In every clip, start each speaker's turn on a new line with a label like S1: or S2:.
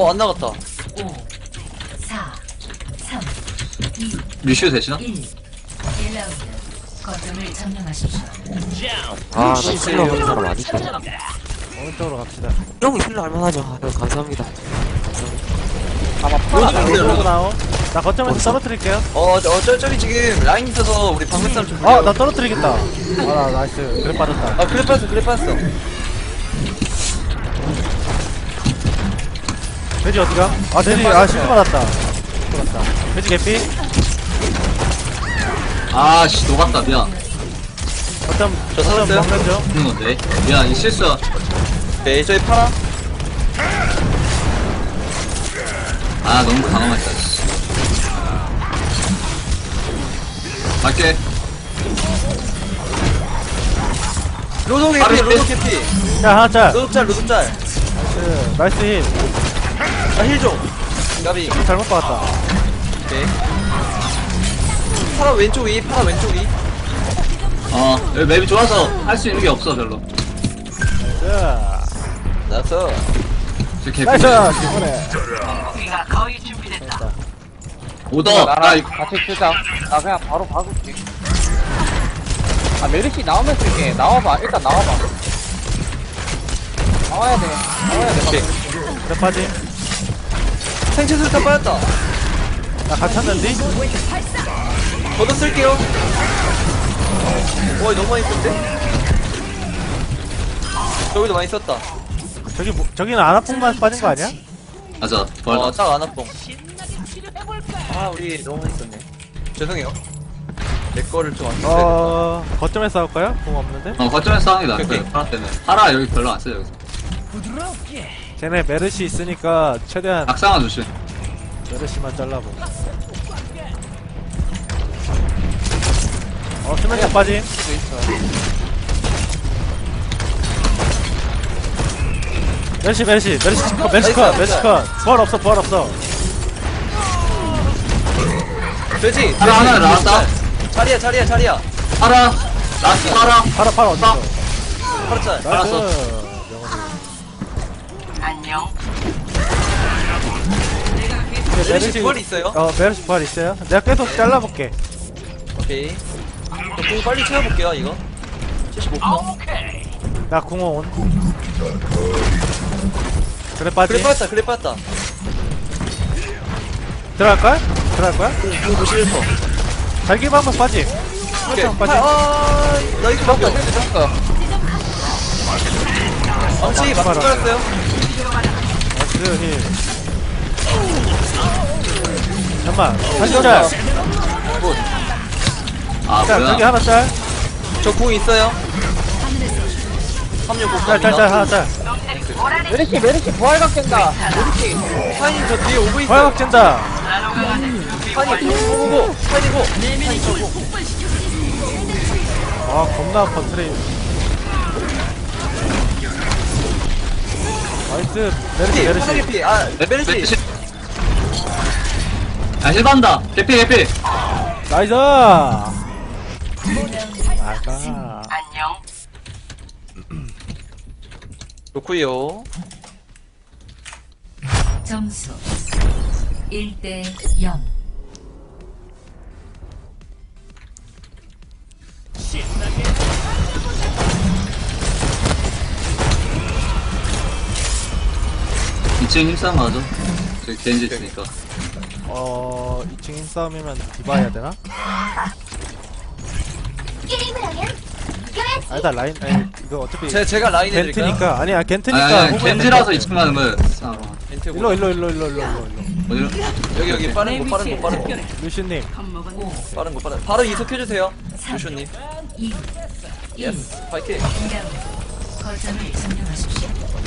S1: 안 나갔다.
S2: 5, 4, 3, 2,
S3: 루시오 되시나?
S2: 1. 1라운드. 거점을 점령하십시오.
S4: 아, 나 힐러 하는 사람 아니까.
S5: 오른쪽으로 갑시다.
S4: 형 힐러 할만하죠. 형 감사합니다.
S5: 아마
S1: 로드 근데 로드.
S5: 나오. 나 거점에서 떨어뜨릴게요.
S1: 저기 지금 라인 있어서 우리 방금 싸움 좀
S5: 아,
S1: 불려.
S5: 나 떨어뜨리겠다. 아, 나이스. 그래 빠졌다.
S1: 그래 빠졌어.
S5: 돼지 어디가? 아, 돼지, 실드 받았다. 돼지 개피?
S3: 아씨 녹았다 미안.
S5: 거점,
S1: 저 살았어요?
S5: 먹는 중.
S3: 죽는 건데. 미안 이 실수야.
S1: 네, 저희 파라.
S3: 아 너무 강화했다. 씨. 갈게.
S1: 로드
S3: 파라
S1: 개피, 로드
S3: 힐.
S1: 개피.
S5: 야, 하나 짤.
S1: 로드 짤.
S5: 나이스 힐.
S1: 힐 좀. 가비.
S5: 잘못 박았다.
S1: 오케이. 파라 왼쪽 위.
S3: 여기 맵이 좋아서 할 수 있는 게 없어 별로.
S5: 자,
S1: 나서.
S3: 저 개피.
S5: 나이스! 이번에.
S3: 오더. 나 이거
S6: 같이 쓰자. 나 그냥 바로 박을게. 아, 메르시 나오면 쓸게. 나와봐. 일단 나와봐. 나와야 돼.
S1: 오케이.
S5: 그래 빠짐.
S1: 생체 수류탄 빠졌다.
S5: 나 갇혔는데?
S1: 저도 쓸게요. 와, 너무 많이 썼는데? 저기도 많이 썼다.
S5: 저기는 아나풍만 빠진 거 아니야?
S3: 맞아. 벌다.
S1: 딱 안아뽕. 우리 너무 많이 썼네. 죄송해요. 내 거를 좀 안 썼어야
S5: 거점에 싸울까요? 공 없는데?
S3: 거점에서 싸우는 게
S1: 오케이.
S3: 낫어요. 파라 때는. 파라 여기 별로 안 써요 여기서.
S5: 쟤네 메르시 있으니까 최대한
S3: 악상아 조심.
S5: 메르시만 잘라보. 수면차 빠짐. 메르시 컷. 부활 없어.
S1: 되지?
S3: 파라 하나 나왔다.
S1: 자리야.
S3: 파라. 라스 파라.
S5: 팔아 어딨어?
S1: 파라 짤.
S5: 나이스.
S1: 메르시 부활 있어요?
S5: 메르시 부활 있어요? 내가 계속 잘라볼게.
S1: 오케이. 공 빨리 채워볼게요, 이거. 75%.
S5: 나 궁원. 그래 빠짐.
S1: 그래 빠졌다.
S5: 들어갈 거야?
S1: 공 91%.
S5: 잘기만 한번 빠짐.
S1: 오케이.
S5: 한번 빠짐.
S1: 나 이거 잡다. 망치 맞고
S5: 봐라.
S1: 깔았어요.
S5: 나이스 힐. 잠깐만. 다시 짤.
S3: 아
S5: 자, 저기
S3: 뭐야?
S5: 하나 짤.
S1: 저 공 있어요. 36
S5: 짤 하나 짤.
S6: 메르시 부활각 된다.
S1: 파인 저 뒤에 오고 있어요.
S5: 화약 찐다.
S1: 파인 오고.
S5: 아 겁나 컨트레이. 나이스. 메르시.
S1: 피. 메르시.
S3: 아 힐반다. 개피.
S5: 나이스. 나가.
S1: 좋구요.
S2: 점수 1대 0.
S3: 이층 힘싸움 가죠. 저기 겐지 있으니까.
S5: 2층 힘싸움이면 디바 해야 되나? 아니다 라인. 아니, 이거 어차피
S1: 제가 라인 해드릴까요?
S5: 겐트니까. 아니야 겐트니까.
S3: 아니
S5: 호구야.
S3: 겐지라서 2층 가는 거예요. 싸움.
S5: 일로.
S3: 어디로?
S1: 여기 빠른 거.
S5: 루시님.
S1: 빠른 거. 바로 이속해주세요. 유쇼님.
S2: 2, 1.
S1: 예스. 파이팅.
S2: 2라운드. 거점을 점령하십시오.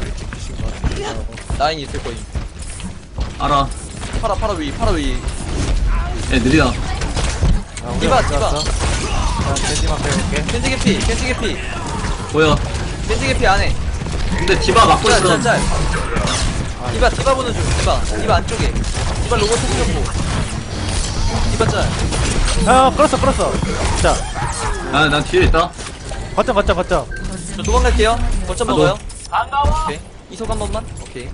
S1: 라인 있을 거임.
S3: 알아.
S1: 파라 위.
S3: 애 느리다.
S1: 디바.
S5: 겐지만 빼볼게.
S1: 켄지 개피.
S3: 보여.
S1: 켄지 개피 안에.
S3: 근데 디바 막고 있어.
S1: 짤. 디바 보는 중. 디바 안쪽에. 디바 로봇 터뜨렸고. 디바 짤.
S5: 끌었어. 자,
S3: 난 뒤에 있다.
S5: 거점.
S1: 저 도망갈게요. 거점
S3: 아,
S1: 먹어요. 오케이. 이속 한 번만. 오케이.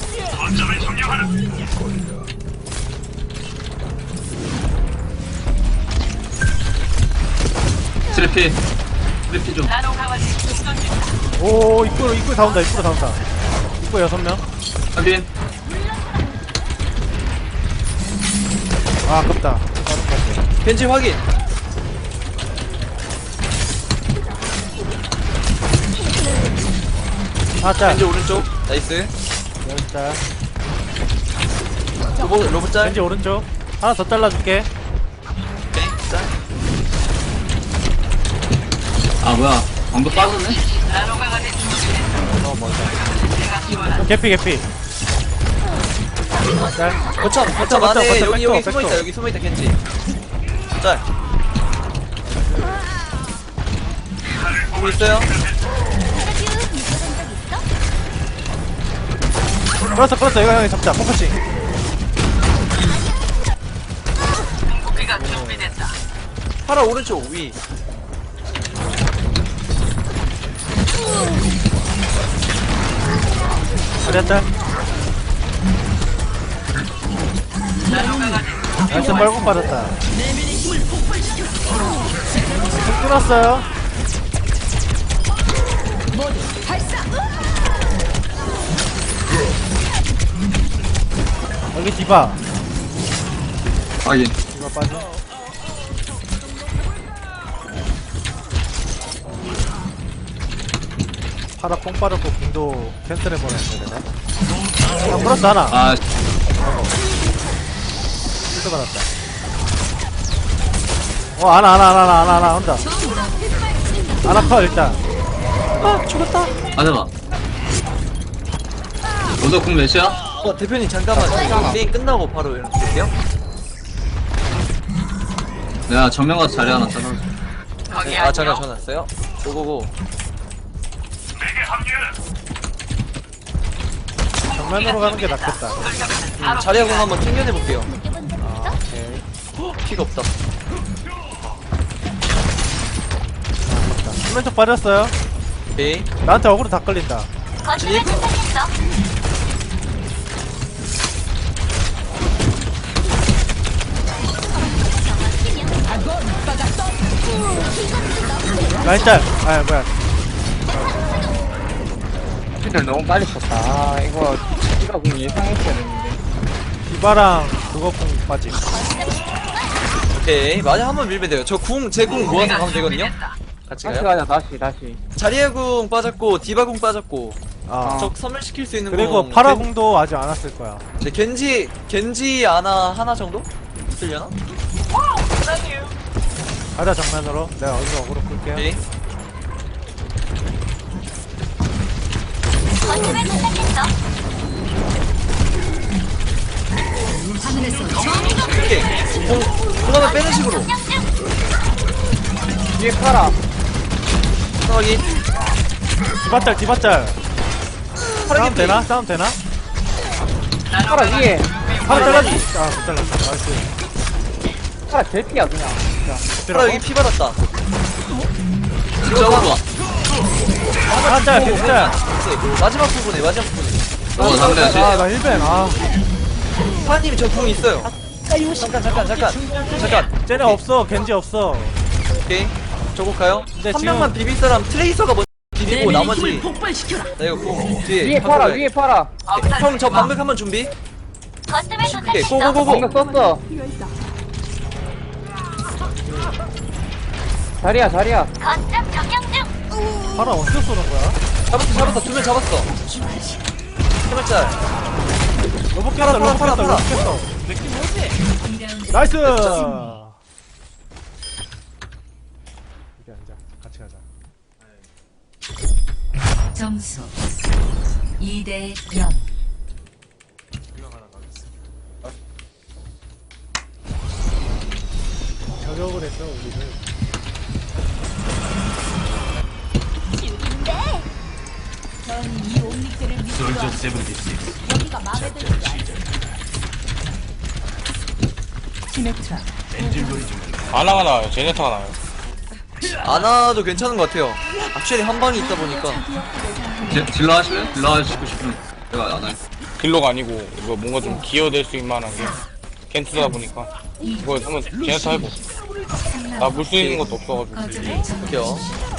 S3: 트래피 좀.
S5: 오 입구로 다 온다. 입구 6명.
S3: 확인.
S5: 아 아깝다.
S1: 겐지 확인.
S5: 아 짤.
S1: 겐지 오른쪽. 나이스.
S5: 짤.
S1: 로봇 짤.
S5: 겐지 오른쪽. 하나 더 잘라줄게.
S1: 오케이. 짤.
S3: 아 뭐야 방금 빠졌네.
S5: 개피. 짤.
S1: 거점
S5: 거점,
S1: 안에
S5: 거점,
S1: 여기
S5: 백도,
S1: 숨어있다.
S5: 백도.
S1: 여기 숨어있다 겐지. 짤. 보고 있어요?
S5: 끌었어. 이거 형이 잡자. 포커싱.
S1: 파라 오른쪽 위.
S5: 자리야 짤. 나이스 빨고 빠졌다. 좀 끊었어요. 여기 디바.
S3: 확인.
S5: 디바 빠져. 파라 뽕 빠졌고 궁도 캔슬해버렸는데 내가. 아 플러스 하나.
S3: 아
S5: 실드 받았다. 하나 혼자. 하나 커 일단.
S1: 아 죽었다.
S3: 맞아봐. 너도 궁 몇이야?
S1: 대표님 잠깐만. 게임 끝나고 바로 연락드릴게요.
S3: 내가 정면 가서 자리 하나 잘라.
S1: 네, 아 잠깐 전화 왔어요. 고고고.
S5: 정면으로 가는 게 낫겠다.
S1: 자리하고 한번 챙겨내볼게요.
S5: 아 오케이.
S1: 피가 없다.
S5: 수면 쪽 빠졌어요.
S1: 오케이.
S5: 나한테 어그로 다 끌린다.
S1: 진입.
S5: 라인 짤. 아 뭐야.
S6: 를 너무 빨리 썼다. 아, 이거 공 예상했어야 됐는데.
S5: 디바랑 그거 공 빠지.
S1: 오케이. 맞아 한번 밀면 돼요. 저 제 궁 모아서 가면 되거든요. 같이
S6: 다시
S1: 가요.
S6: 가자, 다시.
S1: 자리에 궁 빠졌고 디바 궁 빠졌고.
S5: 아.
S1: 적 선멸시킬 수 있는
S5: 그리고
S1: 공.
S5: 파라 궁도 아직 안 왔을 거야.
S1: 네, 겐지 하나 정도? 있으려나?
S5: 가자 정면으로. 내가 어디서 어그로 끌게요.
S1: 오케이. 오케이. 공 하나 빼는 식으로.
S6: 뒤에 팔아.
S1: 상황이.
S5: 디바짤. 싸움 되나?
S6: 팔아 위에.
S5: 파라 잘랐지. 아못 잘랐다. 나이스.
S6: 팔아 제피야 그냥.
S1: 파라 여기 피 받았다.
S3: 잡아봐.
S5: 하나 짤. 짤.
S1: 마지막 부분에.
S3: 상대
S5: 아나 1벤.
S1: 파님 저 궁 있어요. 잠깐.
S5: 쟤네 없어. 겐지 없어.
S1: 오케이. 저거 가요.
S5: 근데
S1: 한
S5: 지금-
S1: 명만 비빌 사람 트레이서가 먼저 비비고 나머지. 나 이거 궁 뒤에.
S6: 위에 팔아, 위에 팔아.
S1: 형 저 방벽 한번 준비. 오케이. 고고고고.
S6: 방금 썼어. 자리야.
S5: 파라 어디서 쏘는 거야?
S1: 잡았어. 2명 잡았어. 해발짤.
S5: 로봇 깼어.
S1: 파라.
S5: 나이스. 여기 앉아. 같이 가자.
S2: 점수 2대 0.
S5: 저격을 했어 우리는.
S7: 아나가 나와요. 제네타가 나와요.
S1: 아나도 괜찮은 것 같아요. 확실히 한 방이 있다 보니까.
S3: 딜러 하실래요? 딜러 하시고 싶으면 내가 안 할.
S7: 딜러가 아니고 이거 뭔가 좀 기여될 수 있을 만한 게 겐트다 보니까 이거 한번 제네타 해보. 나 물 수 있는 것도 없어가지고.
S2: 거점을 점령.
S1: 볼게요.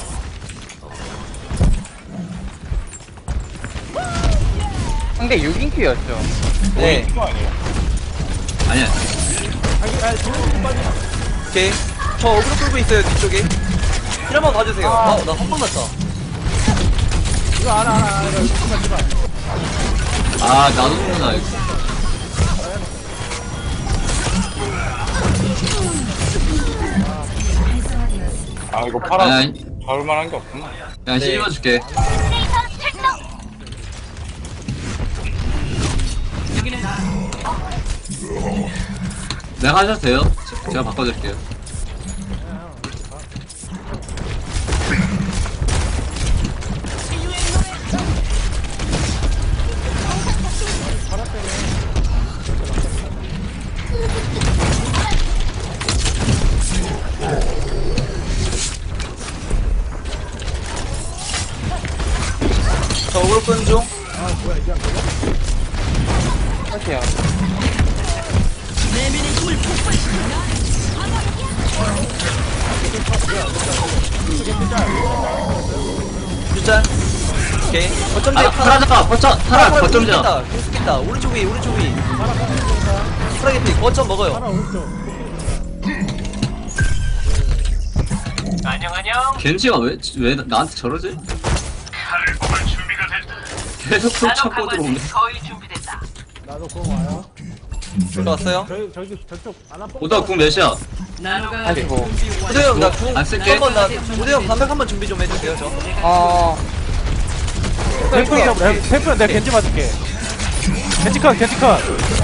S6: 상대 6인큐였죠.
S1: 네.
S7: 이거 아니에요?
S3: 아니야.
S1: 오케이. 저 어그로 끌고 있어요, 뒤쪽에. 힐 한번 봐주세요. 나 한 번 났다.
S5: 이거 알아. 이거 제발.
S3: 아, 나도 모르나, 이거.
S7: 아 이거 팔아
S3: 아니,
S7: 잡을 만한 게 없구나.
S3: 그냥
S1: 네.
S3: 씹어줄게. 내가 하셔도 돼요. 제가 바꿔줄게요.
S1: 저 어그로 끄는 중.
S6: 할게요.
S1: 일단. 오케이. 거점
S3: 아,
S1: 제
S3: 타라 잡아! 타라! 거점 잡아!
S1: 계속했다. 오른쪽 위, 오른쪽 위. 프라게티, 거점 먹어요.
S3: 겐지가 왜 나한테 저러지? 계속 속 찾고 들어오네.
S5: 나도 그거 와요.
S1: 들어왔어요?
S5: 저쪽 안 아파.
S3: 오다 궁 몇이야?
S6: 아이고.
S1: 우대형, 나 궁.
S3: 안 쓸게.
S1: 한번 우대형 반백 한번 준비 좀 해주세요, 저.
S5: 템프 잡으래. 템프 내가 겐지 맞을게. 겐지컷.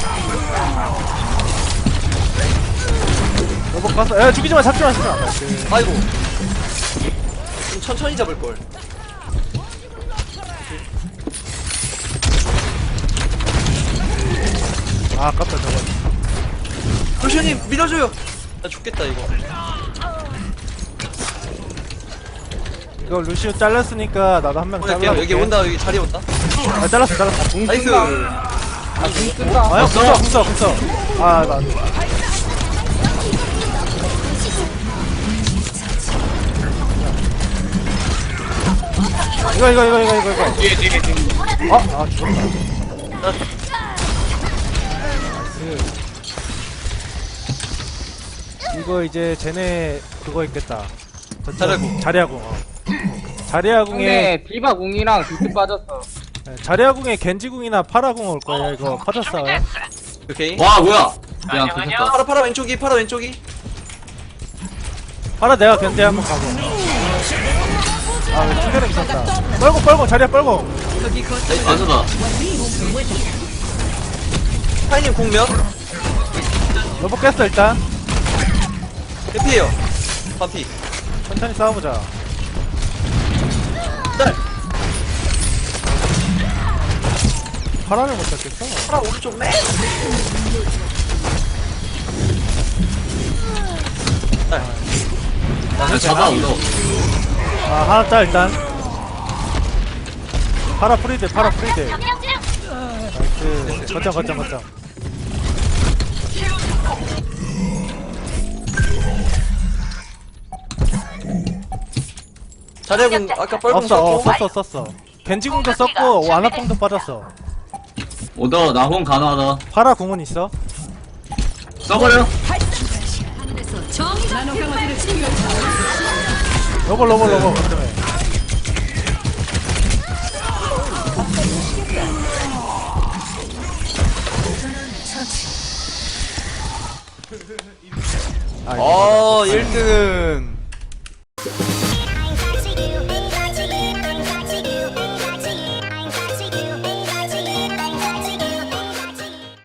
S5: 로봇 갔어. 야 죽이지 마, 잡지 마.
S1: 아이고. 좀 천천히 잡을걸.
S5: 아, 아깝다 저거.
S1: 루시오님, 밀어줘요. 나 죽겠다, 이거.
S5: 이거 루시오 잘랐으니까 나도 한 명
S1: 오케이,
S5: 잘라.
S1: 여기 온다, 여기 자리 온다.
S5: 아, 잘랐어.
S1: 나이스.
S5: 아야, 궁써. 아, 나. 이거.
S7: 뒤에.
S5: 아, 죽었다. 이거 이제 쟤네 그거 있겠다.
S1: 자리아궁.
S5: 자리아궁. 자리아궁에
S6: 상대 디바 궁이랑 비트 빠졌어.
S5: 자리아궁에 겐지궁이나 파라궁 올 거예요. 이거 퍼졌어요.
S1: 오케이.
S3: 와, 뭐야! 야, 괜찮다.
S1: 파라 왼쪽이, 파라 왼쪽이.
S5: 파라 내가 견제 한번 가고. 아, 왜 충전이 있었다. 뻘고 자리아 뻘고.
S3: 완서다.
S1: 파이님 공 몇?
S5: 로봇 깼어 일단.
S1: 해피해요. 반피.
S5: 천천히 싸워보자.
S1: 딸.
S5: 파라를 못 잡겠어.
S1: 파라 오른쪽 맨. 딸.
S3: 야, 잡아, 이거.
S5: 아, 하나 따 일단. 파라 프리드. 나이스. 거점.
S1: 자리아군 아까 뻘궁 썼고.
S5: 썼어. 겐지궁도 썼고 와나뽕도 빠졌어.
S3: 오더, 나홍 가능하다.
S5: 파라 궁은 있어?
S3: 써버려!
S5: 로봇 거점에. 아,
S1: 1등.